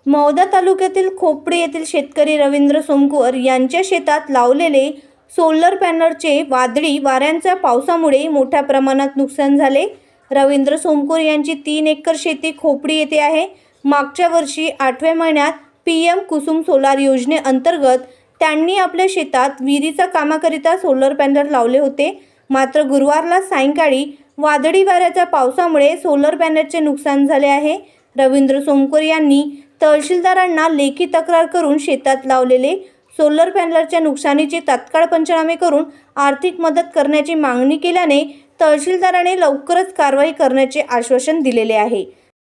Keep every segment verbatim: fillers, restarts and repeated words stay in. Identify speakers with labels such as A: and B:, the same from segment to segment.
A: मौदा तालुक्यातील खोपडे येथील शेतकरी रवींद्र सोमकुवर यांच्या शेतात लावलेले सोलर पॅनलचे वादळी वाऱ्यांच्या पावसामुळे मोठ्या प्रमाणात नुकसान झाले। रवींद्र सोमकुवर यांची तीन एकर शेती खोपडी येथे आहे। मागच्या वर्षी आठव्या महिन्यात पी एम कुसुम सोलार योजनेअंतर्गत त्यांनी आपल्या शेतात विहिरीच्या कामाकरिता सोलर पॅनल लावले होते। मात्र गुरुवारला सायंकाळी वादळी वाऱ्याच्या पावसामुळे सोलर पॅनलचे नुकसान झाले आहे। रवींद्र सोमकुवर यांनी तहसीलदारांना लेखी तक्रार करून शेतात लावलेले सोलर पॅनलच्या नुकसानीचे तात्काळ पंचनामे करून आर्थिक मदत करण्याची मागणी केल्याने तहसीलदाराने लवकरच कारवाई करण्याचे आश्वासन दिलेले आहे।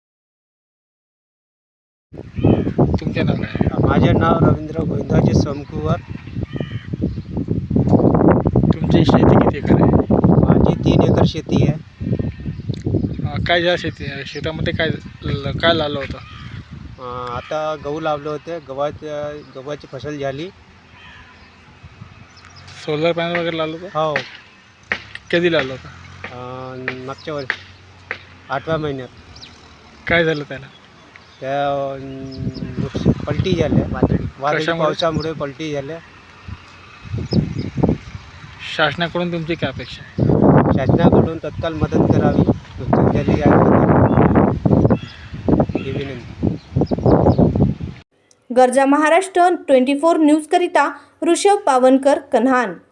B: तुमचे नाव काय?
C: माझे नाव रवींद्र गोविंदाजी सोमकुवर।
B: तुमची शेती किती एकर आहे?
C: माझी तीन एकर शेती आहे।
B: अं, काय ज्या शेती शेतामध्ये काय काय लावलं होतं?
C: अं, आता गहू लावले होते। गव्हाच्या गव्हाची फसल झाली।
B: सोलर पॅनल वगैरे लावलं होतं?
C: हो,
B: कधी लावलं होतं?
C: अं, मागच्या वर्षी आठव्या महिन्यात।
B: काय झालं त्याला?
C: त्या अं, नुकस पलटी झाल्या, वादळी वादळी
B: कशामुळे?
C: पावसामुळे पलटी झाल्या।
B: शासनाकडून तुमची काय अपेक्षा आहे?
C: शासनाकडून तत्काळ मदत करावी, नुकसान झाली आहे ही विनंती।
A: गर्जा महाराष्ट्र ट्वेंटी फोर न्यूज करिता ऋषभ पावनकर, कन्हान।